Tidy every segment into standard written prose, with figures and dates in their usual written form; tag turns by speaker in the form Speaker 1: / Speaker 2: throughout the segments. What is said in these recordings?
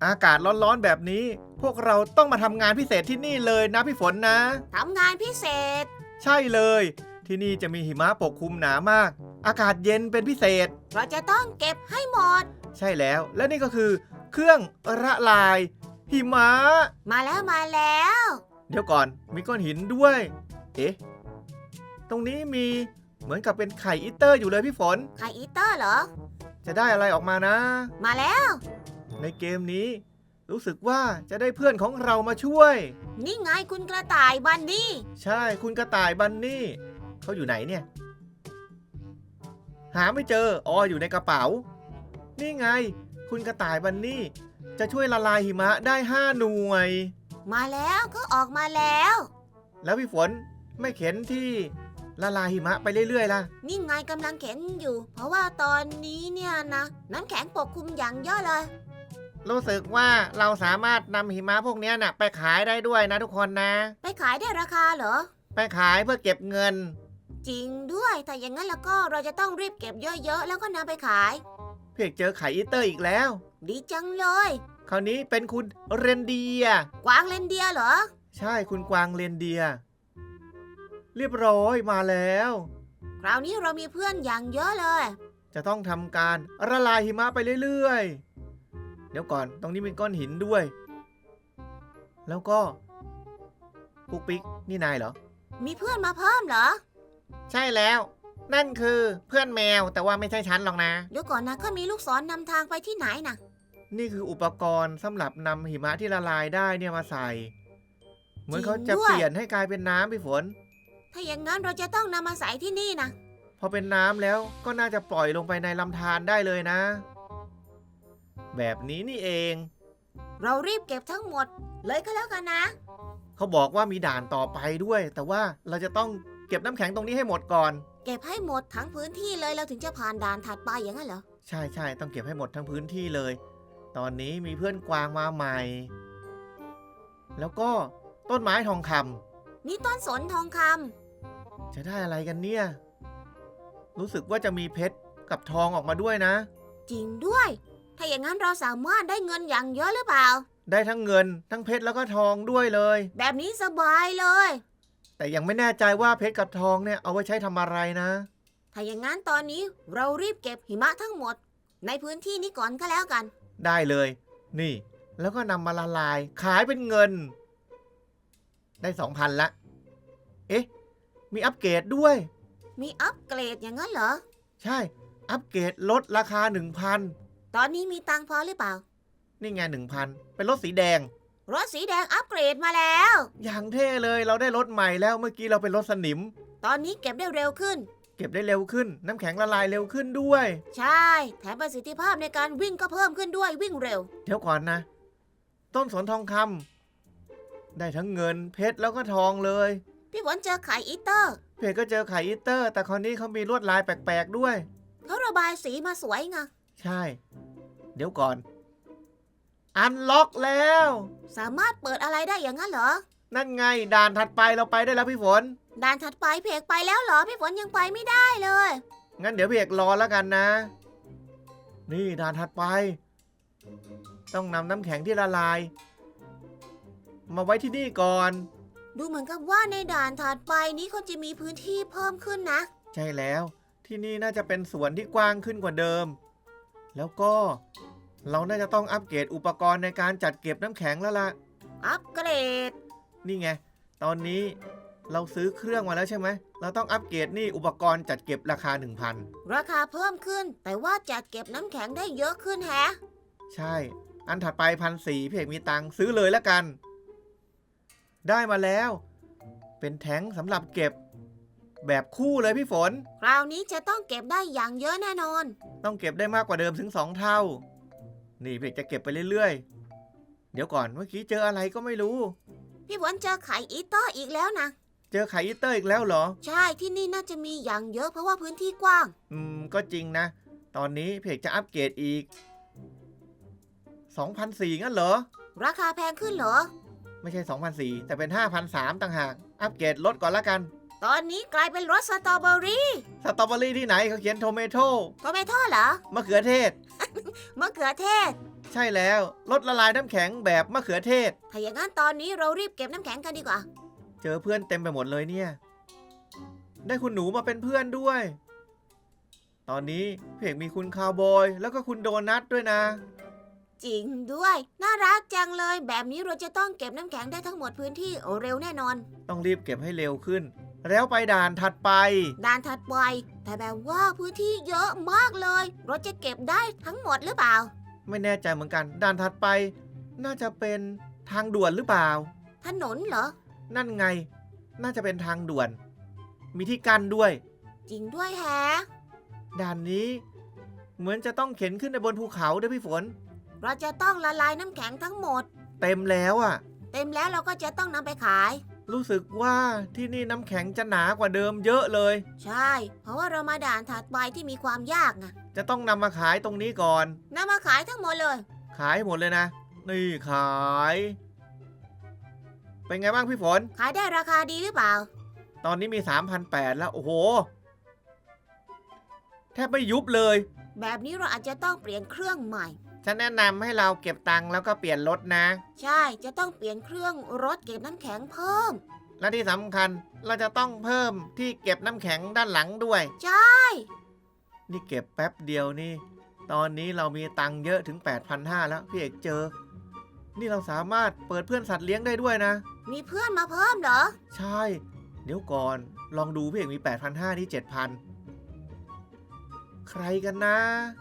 Speaker 1: อากาศร้อนๆแบบนี้พวกเราต้องมาทำงานพิเศษที่นี่เลยนะพี่ฝนนะ
Speaker 2: ทำงานพิเศษ
Speaker 1: ใช่เลยที่นี่จะมีหิมะปกคลุมหนามากอากาศเย็นเป็นพิเศษ
Speaker 2: เราจะต้องเก็บให้หมด
Speaker 1: ใช่แล้วและนี่ก็คือเครื่องละลายหิมะ
Speaker 2: มาแล้ว
Speaker 1: เดี๋ยวก่อนมีก้อนหินด้วยเอ๊ะตรงนี้มีเหมือนกับเป็นไข่อีเตอร์อยู่เลยพี่ฝน
Speaker 2: ไข่อีเตอร์เหรอ
Speaker 1: จะได้อะไรออกมานะ
Speaker 2: มาแล้ว
Speaker 1: ในเกมนี้รู้สึกว่าจะได้เพื่อนของเรามาช่วย
Speaker 2: นี่ไงคุณกระต่ายบันนี่
Speaker 1: ใช่คุณกระต่ายบันนี่เขาอยู่ไหนเนี่ยหาไม่เจออ๋ออยู่ในกระเป๋านี่ไงคุณกระต่ายบันนี่จะช่วยละลายหิมะได้5 หน่วย
Speaker 2: มาแล้วก็ออกมาแล้ว
Speaker 1: พี่ฝนไม่เข็นที่ละลายหิมะไปเรื่อยๆล่ะ
Speaker 2: นี่ไงกำลังเข็นอยู่เพราะว่าตอนนี้เนี่ยนะน้ำแข็งปกคลุมอย่างเยอะเลย
Speaker 1: รู้สึกว่าเราสามารถนำหิมะพวกนี้น่ะไปขายได้ด้วยนะทุกคนนะ
Speaker 2: ไปขายได้ราคาเหรอ
Speaker 1: ไปขายเพื่อเก็บเงิน
Speaker 2: จริงด้วยแต่อย่างนั้นแล้วก็เราจะต้องรีบเก็บเยอะๆแล้วก็นำไปขาย
Speaker 1: เพียกเจอไข่อีเตอร์อีกแล้ว
Speaker 2: ดีจังเลย
Speaker 1: คราวนี้เป็นคุณเรนเดียร์
Speaker 2: กวางเรนเดียร์เหรอ
Speaker 1: ใช่คุณกวางเรนเดียร์เรียบร้อยมาแล้ว
Speaker 2: คราวนี้เรามีเพื่อนอย่างเยอะเลย
Speaker 1: จะต้องทำการละลายหิมะไปเรื่อยๆเดี๋ยวก่อนตรงนี้มีก้อนหินด้วยแล้วก็ปุ๊กปิ๊กนี่นายเหรอ
Speaker 2: มีเพื่อนมาเพิ่มเหรอ
Speaker 1: ใช่แล้วนั่นคือเพื่อนแมวแต่ว่าไม่ใช่ฉันหรอกนะ
Speaker 2: เดี๋ยวก่อนนะก็มีลูกศรนำทางไปที่ไหนนะ
Speaker 1: นี่คืออุปกรณ์สำหรับนำหิมะที่ละลายได้เนี่ยมาใส่เหมือนเขาจะเปลี่ยนให้กลายเป็นน้ำพี่ฝน
Speaker 2: ถ้าอย่างนั้นเราจะต้องนำมาใส่ที่นี่นะ
Speaker 1: พอเป็นน้ำแล้วก็น่าจะปล่อยลงไปในลำธารได้เลยนะแบบนี้นี่เอง
Speaker 2: เรารีบเก็บทั้งหมดเลยก็แล้วกันนะ
Speaker 1: เขาบอกว่ามีด่านต่อไปด้วยแต่ว่าเราจะต้องเก็บน้ำแข็งตรงนี้ให้หมดก่อน
Speaker 2: เก็บให้หมดทั้งพื้นที่เลยเราถึงจะผ่านด่านถัดไปอย่างนั้นเหรอ
Speaker 1: ใช่ใช่ต้องเก็บให้หมดทั้งพื้นที่เลยตอนนี้มีเพื่อนกวางมาใหม่แล้วก็ต้นไม้ทองคำ
Speaker 2: นี่ต้นสนทองคำ
Speaker 1: จะได้อะไรกันเนี่ยรู้สึกว่าจะมีเพชรกับทองออกมาด้วยนะ
Speaker 2: จริงด้วยถ้าอย่างนั้นเราสามารถได้เงินอย่างเยอะหรือเปล่า
Speaker 1: ได้ทั้งเงินทั้งเพชรแล้วก็ทองด้วยเลย
Speaker 2: แบบนี้สบายเลย
Speaker 1: แต่ยังไม่แน่ใจว่าเพชรกับทองเนี่ยเอาไว้ใช้ทำอะไรนะ
Speaker 2: ถ้าอย่างนั้นตอนนี้เรารีบเก็บหิมะทั้งหมดในพื้นที่นี้ก่อนก็แล้วกัน
Speaker 1: ได้เลยนี่แล้วก็นำมาละลายขายเป็นเงินได้ 2,000 ละเอ๊ะมีอัปเกรดด้วย
Speaker 2: มีอัปเกรดอย่างนั้นเหรอ
Speaker 1: ใช่อัปเกรดลดราคา 1,000
Speaker 2: ตอนนี้มีตังค์พอหรือเปล่า
Speaker 1: นี่ไง 1,000 เป็นรถสีแดง
Speaker 2: รถสีแดงอัปเกรดมาแล้ว
Speaker 1: อย่างเท่เลยเราได้รถใหม่แล้วเมื่อกี้เราเป็นรถสนิม
Speaker 2: ตอนนี้เก็บได้เร็วขึ้น
Speaker 1: เก็บได้เร็วขึ้นน้ำแข็งละลายเร็วขึ้นด้วย
Speaker 2: ใช่แถมประสิทธิภาพในการวิ่งก็เพิ่มขึ้นด้วยวิ่งเร็ว
Speaker 1: เดี๋ยวก่อนนะต้นสนทองคำได้ทั้งเงินเพชรแล้วก็ทองเลย
Speaker 2: พี่ฝนเจอไข่อีเตอร์
Speaker 1: เพชรก็เจอไข่อีเตอร์แต่คราวนี้เขามีลวดลายแปลกๆด้วย
Speaker 2: เขาระบายสีมาสวยไง
Speaker 1: ใช่เดี๋ยวก่อนอันล็อกแล้ว
Speaker 2: สามารถเปิดอะไรได้อย่างนั้นเหรอ
Speaker 1: นั่นไงด่านถัดไปเราไปได้แล้วพี่ฝน
Speaker 2: ด่านถัดไปเพกไปแล้วเหรอพี่ฝนยังไปไม่ได้เลย
Speaker 1: งั้นเดี๋ยวพี่เอกรอแล้วกันนะนี่ด่านถัดไปต้องนำน้ำแข็งที่ละลายมาไว้ที่นี่ก่อน
Speaker 2: ดูเหมือนกับว่าในด่านถัดไปนี้เขาจะมีพื้นที่เพิ่มขึ้นนะ
Speaker 1: ใช่แล้วที่นี่น่าจะเป็นสวนที่กว้างขึ้นกว่าเดิมแล้วก็เราน่าจะต้องอัปเกรดอุปกรณ์ในการจัดเก็บน้ำแข็งแล้วล่ะ
Speaker 2: อัปเกรด
Speaker 1: นี่ไงตอนนี้เราซื้อเครื่องมาแล้วใช่ไหมเราต้องอัปเกรดนี่อุปกรณ์จัดเก็บราคา 1,000
Speaker 2: ราคาเพิ่มขึ้นแต่ว่าจัดเก็บน้ำแข็งได้เยอะขึ้นแฮะ
Speaker 1: ใช่อันถัดไป1,400พี่เอกมีตังค์ซื้อเลยแล้วกันได้มาแล้วเป็นแท้งสำหรับเก็บแบบคู่เลยพี่ฝน
Speaker 2: คราวนี้จะต้องเก็บได้อย่างเยอะแน่นอน
Speaker 1: ต้องเก็บได้มากกว่าเดิมถึง2 เท่านี่พี่เอกจะเก็บไปเรื่อยๆเดี๋ยวก่อนเมื่อกี้เจออะไรก็ไม่รู้
Speaker 2: พี่ฝนเจอไข่อีเตอร์อีกแล้วนะ
Speaker 1: เจอไข่อีเตอร์อีกแล้วเหรอ
Speaker 2: ใช่ที่นี่น่าจะมีอย่างเยอะเพราะว่าพื้นที่กว้าง
Speaker 1: ก็จริงนะตอนนี้พี่เอกจะอัปเกรดอีก 2,400 งั้นเหรอ
Speaker 2: ราคาแพงขึ้นเหรอ
Speaker 1: ไม่ใช่ 2,400 แต่เป็น 5,300 ต่างหากอัปเกรดลดก่อนละกัน
Speaker 2: ตอนนี้กลายเป็นรสสตรอเบอรี่
Speaker 1: ที่ไหนเขาเขียนโทเมโต้
Speaker 2: เหรอ
Speaker 1: มะเขือเทศ
Speaker 2: มะเขือเทศ
Speaker 1: ใช่แล้วรถละลายน้ำแข็งแบบมะเขือเทศ
Speaker 2: ถ้าอย่างนั้นตอนนี้เรารีบเก็บน้ำแข็งกันดีกว่า
Speaker 1: เจอเพื่อนเต็มไปหมดเลยเนี่ย ได้คุณหนูมาเป็นเพื่อนด้วย ตอนนี้พี่เอกมีคุณคาวบอยแล้วก็คุณโดนัทด้วยนะ
Speaker 2: จริงด้วย น่ารักจังเลย แบบนี้เราจะต้องเก็บน้ำแข็งได้ทั้งหมดพื้นที่เร็วแน่นอน
Speaker 1: ต้องรีบเก็บให้เร็วขึ้น แล้วไปด่านถัดไป
Speaker 2: ด่านถัดไปแต่แบบว่าพื้นที่เยอะมากเลยเราจะเก็บได้ทั้งหมดหรือเปล่า
Speaker 1: ไม่แน่ใจเหมือนกัน ด่านถัดไป น่าจะเป็นทางด่วนหรือเปล่า
Speaker 2: ถนนเหรอ
Speaker 1: นั่นไง น่าจะเป็นทางด่วน มีที่กั้นด้วย
Speaker 2: จริงด้วยแฮะ
Speaker 1: ด่านนี้ เหมือนจะต้องเข็นขึ้นไปบนภูเขาด้วยพี่ฝน
Speaker 2: เราจะต้องละลายน้ำแข็งทั้งหมด
Speaker 1: เต็มแล้วอ่ะ
Speaker 2: เต็มแล้วเราก็จะต้องนำไปขาย
Speaker 1: รู้สึกว่าที่นี่น้ำแข็งจะหนากว่าเดิมเยอะเลย
Speaker 2: ใช่ เพราะว่าเรามาด่านถัดไปที่มีความยากไง
Speaker 1: จะต้องนำมาขายตรงนี้ก่อน
Speaker 2: นำมาขายทั้งหมดเลย
Speaker 1: ขายให้หมดเลยนะ นี่ขาย เป็นไงบ้างพี่ฝน
Speaker 2: ขายได้ราคาดีหรือเปล่า
Speaker 1: ตอนนี้มี 3,800 แล้ว โอ้โห แทบไม่ยุบเลย
Speaker 2: แบบนี้เราอาจจะต้องเปลี่ยนเครื่องใหม่
Speaker 1: ฉันแนะนำให้เราเก็บตังค์แล้วก็เปลี่ยนรถนะ
Speaker 2: ใช่ จะต้องเปลี่ยนเครื่องรถเก็บน้ำแข็งเพิ่ม
Speaker 1: และที่สำคัญเราจะต้องเพิ่มที่เก็บน้ำแข็งด้านหลังด้วย
Speaker 2: ใช่
Speaker 1: นี่เก็บแป๊บเดียวนี่ ตอนนี้เรามีตังค์เยอะถึง 8,500 แล้วพี่เอกเจอ นี่เราสามารถเปิดเพื่อนสัตว์เลี้ยงได้ด้วยนะ
Speaker 2: มีเพื่อนมาเพิ่มเหรอ
Speaker 1: ใช่ เดี๋ยวก่อน ลองดูพี่เอกมี 8,500 นี่ 7,000 ใครกันนะ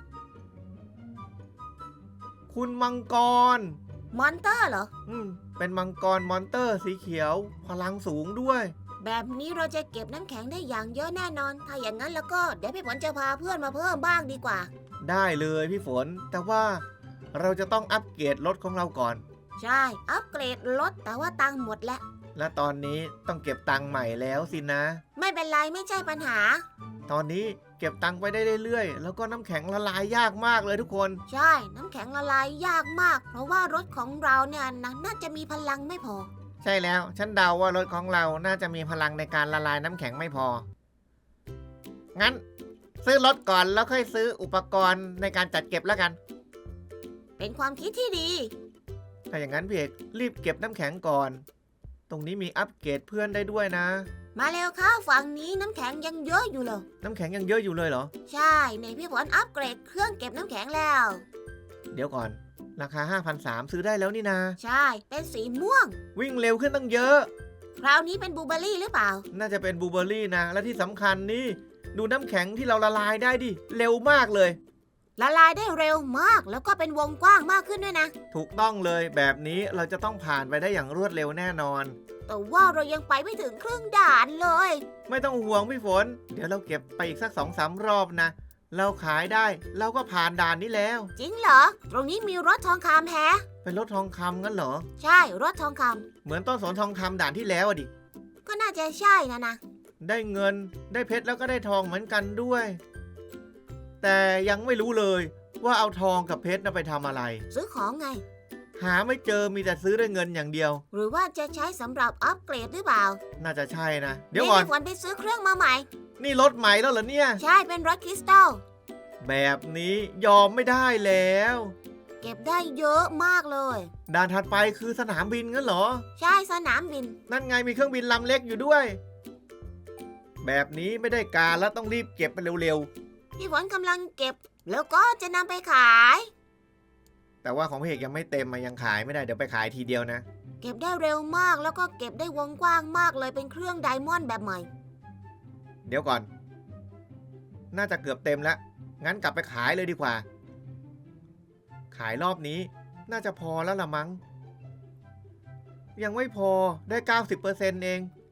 Speaker 1: คุณมังกร
Speaker 2: มอนเตอร์เหรอ
Speaker 1: เป็นมังกรมอนเตอร์สีเขียว พลังสูงด้วย
Speaker 2: แบบนี้เราจะเก็บน้ำแข็งได้อย่างเยอะแน่นอน ถ้าอย่างนั้นแล้วก็เดี๋ยวพี่ฝนจะพาเพื่อนมาเพิ่มบ้างดีกว่า
Speaker 1: ได้เลยพี่ฝน แต่ว่าเราจะต้องอัปเกรดรถของเราก่อน
Speaker 2: ใช่ อัปเกรดรถแต่ว่าตังค์หมดแล้ว
Speaker 1: และตอนนี้ต้องเก็บตังค์ใหม่แล้วสินะ
Speaker 2: ไม่เป็นไรไม่ใช่ปัญหา
Speaker 1: ตอนนี้เก็บตังค์ไปได้เรื่อยๆ แล้วก็น้ำแข็งละลายยากมากเลยทุกคน
Speaker 2: ใช่ น้ำแข็งละลายยากมาก เพราะว่ารถของเราเนี่ยน่าจะมีพลังไม่พอ
Speaker 1: ใช่แล้ว ฉันเดาว่ารถของเราน่าจะมีพลังในการละลายน้ำแข็งไม่พอ งั้น ซื้อรถก่อนแล้วค่อยซื้ออุปกรณ์ในการจัดเก็บแล้วกัน
Speaker 2: เป็นความคิดที่ดี
Speaker 1: ถ้าอย่างนั้นพี่เอกรีบเก็บน้ำแข็งก่อน ตรงนี้มีอัปเกรดเพื่อนได้ด้วยนะ
Speaker 2: มาเร็วเข้าฝั่งนี้น้ำแข็งยังเยอะอยู่เลย
Speaker 1: น้ำแข็งยังเยอะอยู่เลยเหรอ
Speaker 2: ใช่ในพี่ฝนอัปเกรดเครื่องเก็บน้ำแข็งแล้ว
Speaker 1: เดี๋ยวก่อน ราคา 5,300 ซื้อได้แล้วนี่นา
Speaker 2: ใช่เป็นสีม่วง
Speaker 1: วิ่งเร็วขึ้นตั้งเยอะ
Speaker 2: คราวนี้เป็นบลูเบอร์รี่หรือเปล่า
Speaker 1: น่าจะเป็นบลูเบอร์รี่นะ และที่สำคัญนี่ ดูน้ำแข็งที่เราละลายได้ดิ เร็วมากเลย
Speaker 2: ละลายได้เร็วมากแล้วก็เป็นวงกว้างมากขึ้นด้วยนะ
Speaker 1: ถูกต้องเลยแบบนี้เราจะต้องผ่านไปได้อย่างรวดเร็วแน่นอน
Speaker 2: แต่ว่าเรายังไปไม่ถึงครึ่งด่านเลย
Speaker 1: ไม่ต้องห่วงพี่ฝน เดี๋ยวเราเก็บไปอีกสัก 2-3 รอบนะ เราขายได้เราก็ผ่านด่านนี้แล้ว
Speaker 2: จริงเหรอ ตรงนี้มีรถทองคำแฮะ
Speaker 1: เป็นรถทองคำงั้นเหรอ
Speaker 2: ใช่รถทองค
Speaker 1: เหมือนต้นสนทองคำด่านที่แล้วอะดิ
Speaker 2: ำก็น่าจะใช่นะ
Speaker 1: ได้เงินได้เพชรแล้วก็ได้ทองเหมือนกันด้วย แต่ยังไม่รู้เลยว่าเอาทองกับเพชรน่ะไปทำอะไร
Speaker 2: ซื้อของไง
Speaker 1: หาไม่เจอมีแต่ซื้อด้วยเงินอย่างเดียว
Speaker 2: หรือว่าจะใช้สำหรับอัปเกรดหรือเปล่า
Speaker 1: น่าจะใช่นะ เดี๋ยวก่อน
Speaker 2: พี่ฝนไปซื้อเครื่องมาใหม่
Speaker 1: นี่รถใหม่แล้วเหรอเนี่ย
Speaker 2: ใช่เป็นรถคริสตัล
Speaker 1: แบบนี้ยอมไม่ได้แล้ว
Speaker 2: เก็บได้เยอะมากเลย
Speaker 1: ด่านถัดไปคือสนามบินงั้นเหรอ
Speaker 2: ใช่สนามบิน
Speaker 1: นั่นไงมีเครื่องบินลำเล็กอยู่ด้วย แบบนี้ไม่ได้การแล้วต้องรีบเก็บไปเร็ว
Speaker 2: พี่ฝนกำลังเก็บ แล้วก็จะนำไปขาย
Speaker 1: ๆ แต่ว่าของพี่เอกยังไม่เต็มมายังขายไม่ได้เดี๋ยวไปขายทีเดียวนะ
Speaker 2: เก็บได้เร็วมากแล้วก็เก็บได้วงกว้างมากเลยเป็นเครื่องไดมอนด์แบบใหม่
Speaker 1: เดี๋ยวก่อน น่าจะเกือบเต็มแล้ว งั้นกลับไปขายเลยดีกว่า ขายรอบนี้น่าจะพอแล้วละมั้ง ยังไม่พอได้ 90% เอง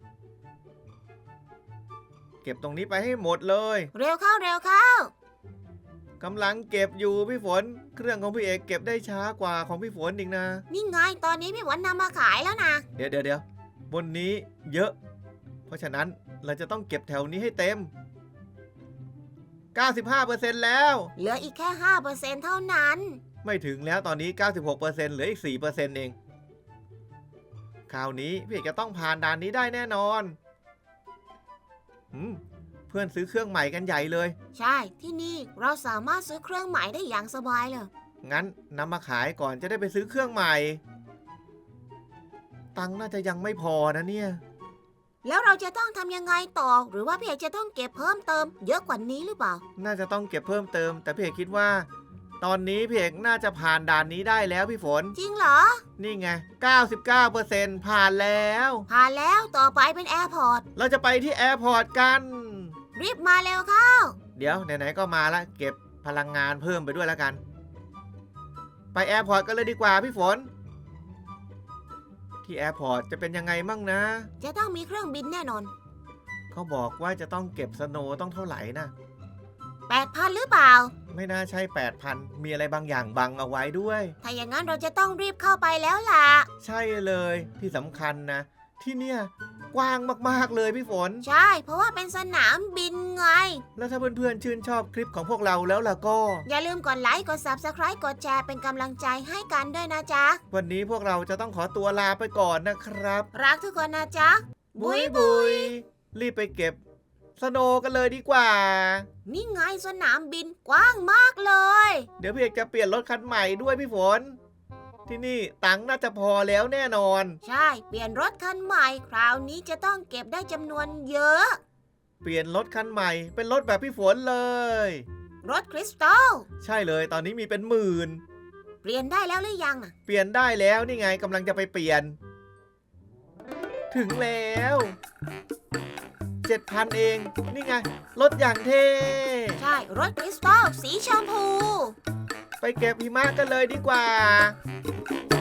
Speaker 1: เก็บตรงนี้ไปให้หมดเลย
Speaker 2: เร็วเข้าเร็วเข้า
Speaker 1: กำลังเก็บอยู่พี่ฝน เครื่องของพี่เอกเก็บได้ช้ากว่าของพี่ฝนอีกนะ
Speaker 2: นี่ไงตอนนี้พี่ฝนนำมาขายแล้วนะ
Speaker 1: เดี๋ยวบนนี้เยอะ เพราะฉะนั้นเราจะต้องเก็บแถวนี้ให้เต็ม 95% แล้ว
Speaker 2: เหลืออีกแค่ 5% เท่านั้น
Speaker 1: ไม่ถึงแล้วตอนนี้ 96% เหลืออีก 4% เอง คราวนี้พี่เอกจะต้องผ่านด่านนี้ได้แน่นอนเพื่อนซื้อเครื่องใหม่กันใหญ่เลย
Speaker 2: ใช่ที่นี่เราสามารถซื้อเครื่องใหม่ได้อย่างสบายเลย
Speaker 1: งั้นนำมาขายก่อนจะได้ไปซื้อเครื่องใหม่ ตังค์น่าจะยังไม่พอนะเนี่ย
Speaker 2: แล้วเราจะต้องทำยังไงต่อ หรือว่าพี่เอกจะต้องเก็บเพิ่มเติมเยอะกว่านี้หรือเปล่า
Speaker 1: น่าจะต้องเก็บเพิ่มเติม แต่พี่เอกคิดว่า ตอนนี้พี่เอกน่าจะผ่านด่านนี้ได้แล้วพี่ฝน
Speaker 2: จริงเหรอ
Speaker 1: นี่ไง 99%ผ่านแล้ว
Speaker 2: ผ่านแล้วต่อไปเป็นแอร์พอร์ต
Speaker 1: เราจะไปที่แอร์พอร์ตกัน
Speaker 2: รีบมาเร็วเข้า
Speaker 1: เดี๋ยวไหนๆก็มาละเก็บพลังงานเพิ่มไปด้วยแล้วกัน ไปแอร์พอร์ตกันเลยดีกว่าพี่ฝน ที่แอร์พอร์ตจะเป็นยังไงมั่งนะ
Speaker 2: จะต้องมีเครื่องบินแน่นอน
Speaker 1: เขาบอกว่าจะต้องเก็บสโนว์ต้องเท่าไหร่นะ
Speaker 2: 8,000 หรือเปล่า
Speaker 1: ไม่น่าใช่ 8,000 มีอะไรบางอย่างบังเอาไว้ด้วย
Speaker 2: ถ้าอย่างนั้นเราจะต้องรีบเข้าไปแล้วล่ะ
Speaker 1: ใช่เลยที่สำคัญนะ ที่เนี่ยกว้างมากๆเลยพี่ฝน
Speaker 2: ใช่ เพราะว่าเป็นสนามบินไง
Speaker 1: แล้วถ้าเพื่อนๆชื่นชอบคลิปของพวกเราแล้วล่ะก็
Speaker 2: อย่าลืมกดไลค์ กด Subscribe กดแชร์เป็นกำลังใจให้กันด้วยนะจ๊ะ
Speaker 1: วันนี้พวกเราจะต้องขอตัวลาไปก่อนนะครับ
Speaker 2: รักทุกคนนะจ๊ะ
Speaker 1: บุยบุยรีบไปเก็บสโนว์กันเลยดีกว่า
Speaker 2: นี่ไงสนามบินกว้างมากเลย
Speaker 1: เดี๋ยวพี่เอกจะเปลี่ยนรถคันใหม่ด้วยพี่ฝน ที่นี่ตังค์น่าจะพอแล้วแน่นอน
Speaker 2: ใช่ เปลี่ยนรถคันใหม่ คราวนี้จะต้องเก็บได้จำนวนเยอะ
Speaker 1: เปลี่ยนรถคันใหม่เป็นรถแบบพี่ฝนเลย
Speaker 2: รถคริสตัล
Speaker 1: ใช่เลยตอนนี้มีเป็นหมื่น
Speaker 2: เปลี่ยนได้แล้วหรือยังอะ
Speaker 1: เปลี่ยนได้แล้วนี่ไงกำลังจะไปเปลี่ยน ถึงแล้ว 7,000 เอง นี่ไงรถอย่างเท่
Speaker 2: ใช่ รถคริสตัลสีชมพู
Speaker 1: ไปเก็บหิมะกันเลยดีกว่า